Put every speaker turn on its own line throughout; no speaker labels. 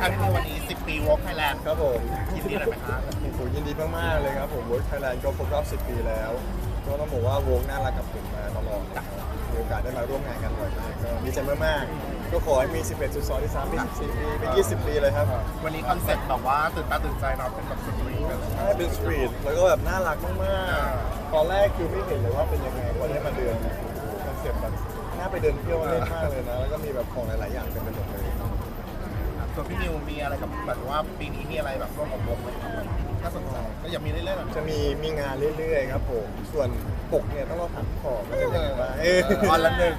ครับที่วันนี้10 ปีวอล์กไทยแลนด์
ครับผม
ยินดีเลยไหมครับ
โอ้โหยินดีมากๆเลยครับผม Work Thailand ก็ครบรอบ10 ปีแล้วก็ต้องบอกว่าวงน่ารักกับผมมาตลอดนะครับมีโอกาสได้มาร่วมงานกันบ่อยมากก็ดีใจมากๆก็ขอให้มี 11.2 ที่3ปี14 ปีเป็น20 ปีเลยครับ
วันนี้คอนเซ็ปต์แบบว่าตื่นตาตื่นใจเนาะเป็นแบบสตรีทแบบ
ใช่เป็นสตรีทแล้วก็แบบน่ารักมากๆตอนแรกคือไม่เห็นเลยว่าเป็นยังไงพอได้มาเดินคอนเซ็ปต์แบบน่าไปเดินเที่ยวเล่นมากเลยนะแล้วก็มีแบบของหลายๆอย่างเต็มไปหมดเลย
ส่วนพี่นิวมีอะไรกับแบบว่าปีนี้มีอะไรแบบร่วมกับวงไหมครับน่าสนใจก็อยากมีเรื่อยๆแบบ
จะมีงานเรื่อยๆครับผมส่วนปกเนี่ยต้องรอถามขอบว่าจะยังไงบ้าง
วันละหนึ่ง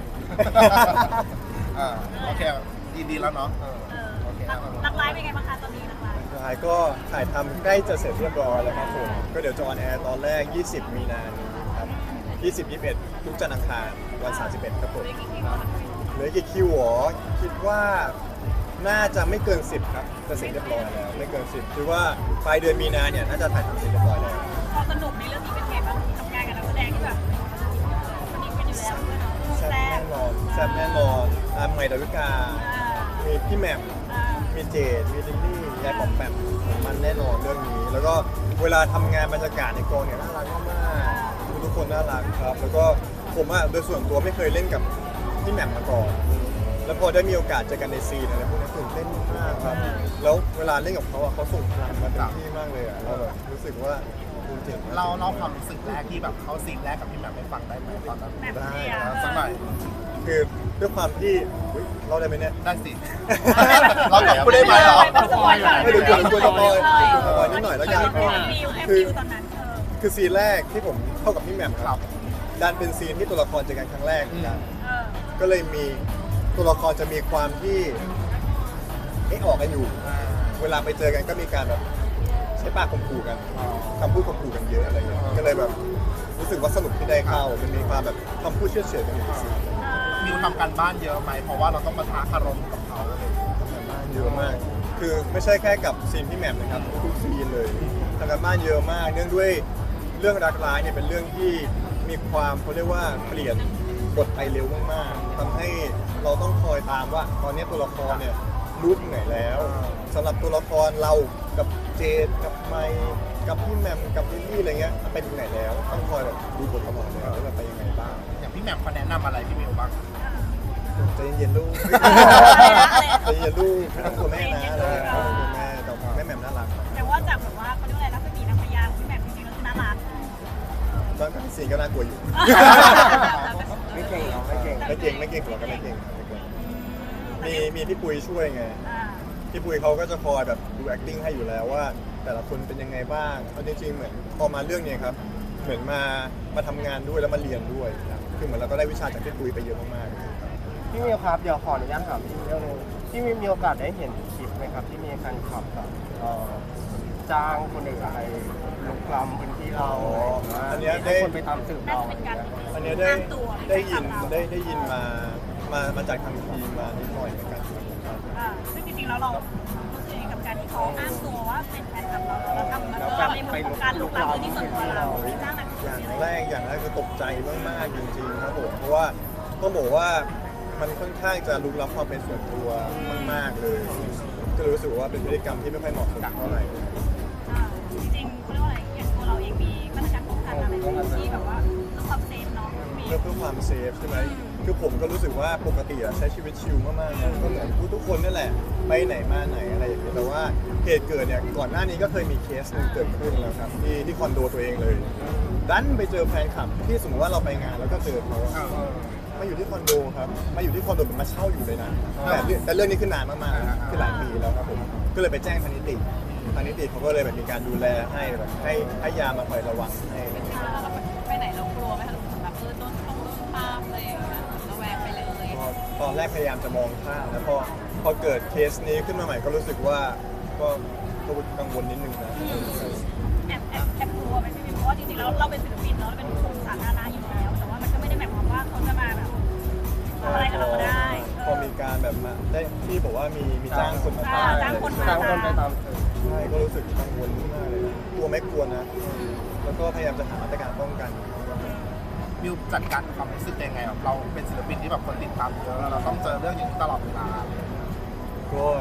โอเคดีแล้วเนาะโอเค
หลักไลฟ์เป็นไงบ้างคะตอนนี้หลักไลฟ์
สุดท้ายก็ถ่ายทำใกล้จะเสร็จเรียบร้อยแล้วครับผมก็เดี๋ยวจะออนแอร์ตอนแรก 20 มีนาคมครับ20 21 ทุกจันทร์อังคารวัน 31 ครับผม
ได้กี่คิวคะ
เหลือกี่คิวหรอคิดว่าน่าจะไม่เกิน 10 ครับจะเสร็จเรียบร้อยแล้วไม่เกิน 10คือว่าปลายเดือนมีนาเนี่ยน่าจะถ่ายทำเสร็จเรียบร้อยแล้ว
พอสนุกในเรื่องนี้เป็นไงบ้างทำงานกับนักแสดงที่แบบคนนี้เป็นอยู่แล้วด้วยเนาะ
แซ่บ
แซ่
แน่
บ
นอนแซ่บแน่นอนใหม่ดาวิกา มีพี่แหม่ม มีเจดมีลิลลี่ยายปอมแปมมันแน่นอนเรื่องนี้ แล้วก็เวลาทำงานบรรยากาศในกองเนี่ยน่ารักมากๆทุกคนน่ารักครับ แล้วก็ผมโดยส่วนตัวไม่เคยเล่นกับพี่แหม่มมาก่อน แล้วพอได้มีโอกาสเจอกันในซีนอะไรพวกนี้ตื่นเต้นมากครับ แล้วเวลาเล่นกับเขาเขาส่งพลังมาเต็มที่มากเลยเราแบบรู้สึกว่าคุณเจ๋งมาก
เล่าความรู้สึกแรกที่แบบเข้าซีนแรกกับพี่แหม่มให้ฟังได้ไหมตอนนั้น
แบบ
ได้
เชียร์
สักหน่อย
คือด้วยความที่อุ๊ยเราได้ไหมเนี่ย
ได้สิ เราตอบพูดได้ไหมเหรอ
ไม่เดี๋ยวกลัวสปอยสปอยนิดหน่อยแล้วกัน
ฟิลแค่ฟิลตอนนั้น
คือซีนแรกที่ผมเข้ากับพี่แหม่มครับดันเป็นซีนที่ตัวละครเจอกันครั้งแรกเหมือนกันก็เลยมีตัวละครจะมีความที่ออกกันอยู่ เวลาไปเจอกันก็มีการแบบใช้ปากข่มขู่กันคำพูดข่มขู่กันเยอะอะไรเงี้ยก็เลยแบบรู้สึกว่าสนุกที่ได้เข้ามันมีความแบบคำพูดเชื่อเฉือนกันอยู่ในซีน
มิวทำการบ้านเยอะไหมเพราะว่าเราต้องมาท้าคารมกับเขาเลย
ทำกันบ้านเยอะมาก คือไม่ใช่แค่กับซีนพี่แหม่มนะครับทุกซีนเลยทำกันบ้านเยอะมากเนื่องด้วยเรื่องรักร้ายเนี่ยเป็นเรื่องที่มีความเขาเรียกว่าเปลี่ยนบทไปเร็วมากๆทำให้เราต้องคอยตามว่าตอนนี้ตัวละครเนี่ยรู้ถึงไหนแล้วสำหรับตัวละครเรากับเจดกับไมค์กับพี่แหม่มกับลิลลี่อะไรเงี้ยไปถึงไหนแล้วต้องคอยแบบดูบทตลอดเลยว่าแบบไปยังไงบ้าง
อย่างพี่แหม่มเขาแนะนำอะไรพี่มิวบ้าง
ใจเย็นๆลูกใจเย็นๆลูกไม่ต้องกลัวแม่นะอะไรอย่างเงี้ยไม่ต้องกลัวแม่แต่แม่แหม่มน่ารัก
แต่ว่าจากแบบว่าเขาเรียกว่าอะไรรัศมีนางพญาของพี่แหม่มจริงๆก็คือน่ารัก
ตอนนั้นซีนก็น่ากลัวอยู่
ไม่เก่งเนาะไม่เก่ง
ไม่เก่งไม่เก่งหรอกก็ไม่เก่งมีพี่ปุยช่วยไงพี่ปุยเขาก็จะคอยแบบดู acting ให้อยู่แล้วว่า แต่ละคนเป็นยังไงบ้างเอาจริงๆเหมือนพอมาเรื่องนี้ครับเหมือนมาทำงานด้วยแล้วมาเรียนด้วยครับคือเหมือนเราก็ได้วิชาจากพี่ปุยไปเยอะมากๆ
พี่มิวครับเดี๋ยวขออนุญาตถามพี่เรื่องนึงพี่มิวมีโอกาสได้เห็นคลิปไหมครับที่มีการขับแบบจ้างคนอื่นไปลุกล้ำพื้นที่เรา
อันเนี้ยได้
ให้คนไปตามสืบ
น่า
เรา
จะเป็นการ
อันเนี้ยได้ยินมาจากทางทีมมานิดหน่อยเหมือนกันครับ
ซึ่งจริงๆแล้วเรารู้สึกยังไงกับการที่เขาอ้างตัวว่าเป็นแฟนคลับเราทำในมุมของการลุกล้ำพื้นที่ส่วนตัวเราจ้างนักข่าว
อย่างแรกคือตกใจมากๆจริงๆครับผมเพราะว่าต้องบอกว่ามันค่อนข้างจะลุกล้ำความเป็นส่วนตัวมากๆเลยก็เลยรู้สึกว่าเป็นพฤติกรรมที่ไม่ค่อยเหมาะสมเท่าไหร่
จริงๆเขาเรียกว่าอะไรอย่างตัวเราเองมีมาตรการป้องกันอะไรที่แบบว่าเพื่อความเซฟเนาะมี
เพื่อความเซฟใช่ไหมคือผมก็รู้สึกว่าปกติใช้ชีวิตชิลมากๆนะก็เหมือนทุกคนนั่นแหละไปไหนมาไหนอะไรอย่างเงี้ยแต่ว่าเหตุเกิดเนี่ยก่อนหน้านี้ก็เคยมีเคสหนึงเกิดขึ้นแล้วครับที่คอนโดตัวเองเลยดันไปเจอแฟนคลับที่สมมติว่าเราไปงานแล้วก็เจอเขามาอยู่ที่คอนโดครับมาอยู่ที่คอนโดเป็นมาเช่าอยู่เลยนะแต่เรื่องนี้ขึ้นนานมากๆคือหลายปีแล้วครับผมก็เลยไปแจ้งทางนิติเขาก็เลยแบบมีการดูแลให้แบบให้ยามาคอยระวังให้
ไปไหนเรากลัวไหมคะแบบโดนตามอะไรอย่างเงี้ยระแวงไปเลย
ตอนแรกพยายามจะมองข้ามแล้วพอเกิดเคสนี้ขึ้นมาใหม่ก็รู้สึกว่าก็กังวลนิดนึงนะ
แอบกลัวไหมพี่เพราะว่าจริงๆแล้วเราเป็นศิลปินเนาะเป็นคนสาธารณะอยู่แล้วแต่ว่ามันก็ไม่ได้หมายความว่าเขาจะมาแบบทำอะไรกับเราได้
พอมีการแบบมาได้ที่บอกว่ามีจ้างคนมา
จ้างคนมา
จ้างคนไปตามสืบ
ใช่ก็รู้สึกกังวลมากเลยนะกลัวไม่กลัวนะ แล้วก็พยายามจะหามาตรการป้องกัน
มิวจัดการความรู้สึกยังไงเราเป็นศิลปินที่แบบคนติดตามเยอะเราต้องเจอเรื่องอย่างนี้ตลอดเวลา
ก็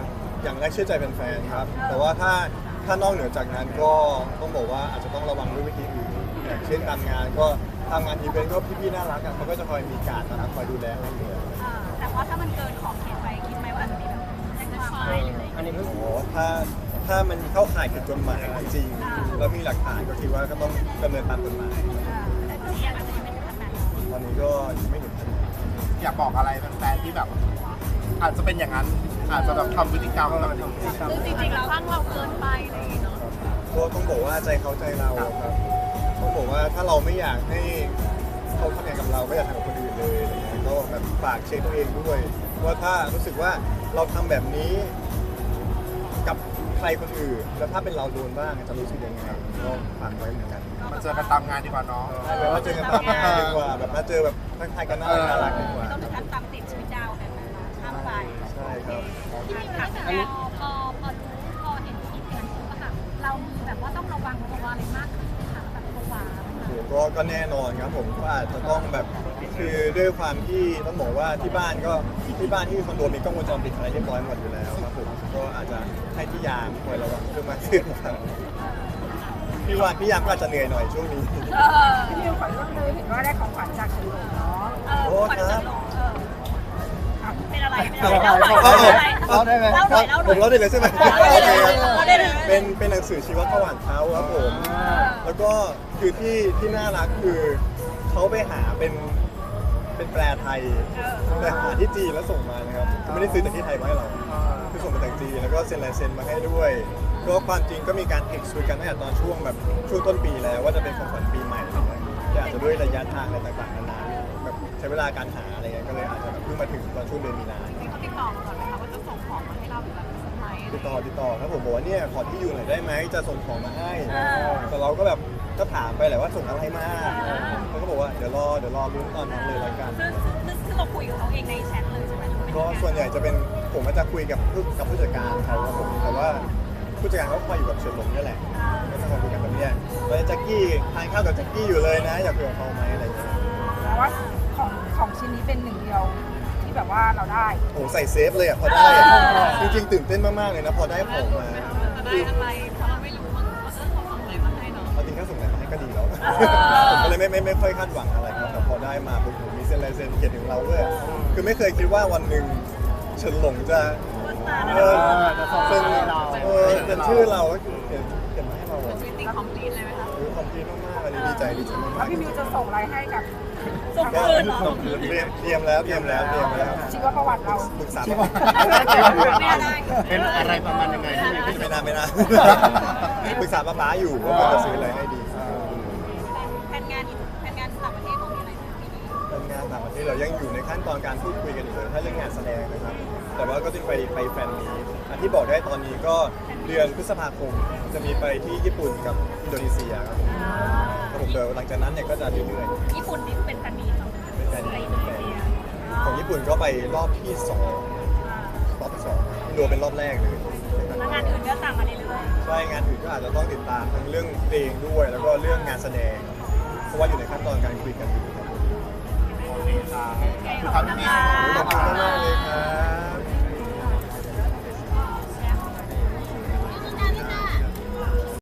อย่างแรกเชื่อใจแฟนๆครับแต่ว่าถ้านอกเหนือจากนั้นก็ต้องบอกว่าอาจจะต้องระวังด้วยวิธีอื่นอย่างเช่นทำงานก็ทำงานอีเวนต์ก็พี่ๆน่ารักเขาก็จะคอยมีการนะครับคอยดูแลให้ด้วย
แต่ว่าถ้ามันเกินขอบเขตไปคิดไหมว่าอาจจะมีแบบแจ้งความอะไรหรืออะไร
อันนี้
โอ้โหถ้ามันเข้าข่ายผิดกฎหมายจริงแล้วมีหลักฐานก็คิดว่าก็ต้องดำเนินตามกฎหมาย
แต่ที่อาจจะยังไม่ถึงขนาดนั้น
ตอนนี้ก็ยังไม่เห็นขนาดนั้น
อยากบอกอะไรแฟนๆที่แบบ อาจจะเป็นอย่างนั้น อาจจะแบบทำพฤติกรรมแบบนี้
ซึ่งจริงๆแล้วข้างเราเกินไปอะไรอย่างเงี้ยเนาะ
ก็ต้องบอกว่าใจเขาใจเราครับต้องบอกว่าถ้าเราไม่อยากให้เขาทำอย่างกับเราไม่อยากทำกับคนอื่นเลยอะไรเงี้ยก็แบบฝากเช็คตัวเองด้วยว่าถ้ารู้สึกว่าเราทำแบบนี้กับใครคนอื่นแล้วถ้าเป็นเราโดนบ้างจะรู้สึกยังไงก็ฝากไว้เหมือนกัน
มาเจอกันตามงานดีกว่าเนาะ
แบบว่าเจอกันตามงานดีกว่าแบบมาเจอแบบทักทายกันน่ารักดีกว่า
ไม่ต้องถึงขั้นตามติดชีวิตดาวแบบนั้นนะข้ามไป
ใช่ครับ
ที่มีแบบพอเห็นคลิปอย่างนี้ก็แบบเรามีแบบว่าต้องระวังตัวอะไรมากขึ้นค่ะแบบตัว
ก็แน่นอนครับผมก็อาจจะต้องแบบคือด้วยความที่ต้องบอกว่าที่บ้านที่คอนโดมีกล้องวงจรปิดอะไรเรียบร้อยหมดอยู่แล้วครับผมก็อาจจะให้พี่ยามคอยระวังเรื่องมากขึ้นครับพี่ยามก็อาจจะเหนื่อยหน่อยช่วงนี้
พี่มิวขอเรื่องนึงเห็นว่าได้ของขวัญจากฉลองเนาะ
โอ้ครับ
เป็นอะไรเล่าหน่อย
เอาได้ไหม
เล่าหน่อย
ผมเล่าได้เลยใช่ไหม
เล่าได้เลย
โอ
เล่า
เค
ได้เลย
เป็นหนังสือชีวประวัติเขาครับผม แล้วก็คือที่น่ารักคือเขาไปหาเป็นแปลไทยแต่หาที่จีนแล้วส่งมานะครับคือไม่ได้ซื้อจากที่ไทยมาให้เราคือส่งมาจากจีนแล้วก็เซ็นลายเซ็นมาให้ด้วยก็ความจริงก็มีการเท็กซ์คุยกันตั้งแต่ตอนช่วงต้นปีแล้วว่าจะเป็นของขวัญปีใหม่นะครับแต่อาจจะด้วยระยะทางอะไรต่างๆนานาแบบใช้เวลาการหาอะไรเงี้ยก็เลยอาจจะแบบเพิ่งมาถึงตอนช่วงเดือนมีนา
เขาติดต่อมาก่อนไหมคะว่าจะส่งของมาให้เราหรือแบบเซอร์ไพรส์
ติดต่อครับผมบอกว่าเนี่ยขอที่อยู่หน่อยได้ไหมจะส่งของมาให้แต่เราก็แบบก็ถามไปแหละว่าส่งอะไรมาเขาก็บอกว่าเดี๋ยวรอลุ้นตอนนั้นเลยละกัน
ซึ่งเราคุยกับเขาเองในแชทเลยใช่ไหม
ก็ส่วนใหญ่จะเป็นผมก็จะคุยกับผู้จัดการเขาครับผมแต่ว่าผู้จัดการเขาคอยอยู่กับเฉินหลงนี่แหละก็จะคอยคุยกันแบบเนี้ยตอนนี้แจ็คกี้ทานข้าวกับแจ็คกี้อยู่เลยนะอยากคุยกับเขาไหมอะไรอย่างเงี้ย
แต่ว่าของชิ้นนี้เป็นหนึ่งเดียวที่แบบว่าเราได้
โอ้ใส่เซฟเลยอ่ะพอได้จริงๆตื่นเต้นมากๆเลยนะพอได้ของมา
จะได้อะไรเพราะเราไม่รู้ว่าเขาส่งอะไรมาให้เนาะ
เอาจริงถ้าส่งอะไรมาให้ก็ดีแล้วผมก็เลยไม่ค่อยคาดหวังอะไรครับแต่พอได้มาปุ๊บผมมีเซ็นลายเซ็นเขียนถึงเราด้วยคือไม่เคยคิดว่าวันหนึ่งเฉินหลงจะเป็นชื่อเราก็เขียนมาให้เรา
ชีวิตติงคอมพลีทเลยไหมคะ
คือคอมพลีทมากๆอันนี้ดีใจมา
แล้ว
ก
พี่มิวจะส่งอะไรให้กับ
ส่ง
ก็
คืนเหรอ
เตรียมแล้ว
ชีวประวัติเรา
ปรึกษา
เป็นอะไรประมาณยังไงที่
ไม่นานปรึกษาป๊าอยู่ว่าควรจะซื้ออะไรให้ดี
แผนงานต่างประเทศของมีอะไรปีนี้
เป็นงานต่างประเทศเรายังอยู่ในขั้นตอนการพูดคุยกันอยู่เลยถ้าเรื่องงานแสดงนะครับแต่ว่าก็จะไปแฟนมีตอันที่บอกได้ตอนนี้ก็เดือนพฤษภาคมจะมีไปที่ญี่ปุ่นกับอินโดนีเซียครับผมเดี๋ยวหลังจากนั้นเนี่ยก็จะเรื่อยๆ
ญี่ปุ่นนี่เป็นแฟนมีของ
เป็นแฟนของญี่ปุ่นก็ไปรอบที่2อินโดเป็นรอบแรกเลย
แล้วงานอื่นก็ตามมาเรื่อย
ใช่งานอื่นก็อาจจะต้องติดตามทั้งเรื่องเพลงด้วย แล้วก็เรื่องงานแสดงเพราะว่าอยู่ในขั้นตอนการคุยกันอยู่ครับ
โอเคค่ะคือทำที่นี่
ขอบคุณมากๆเลยครับ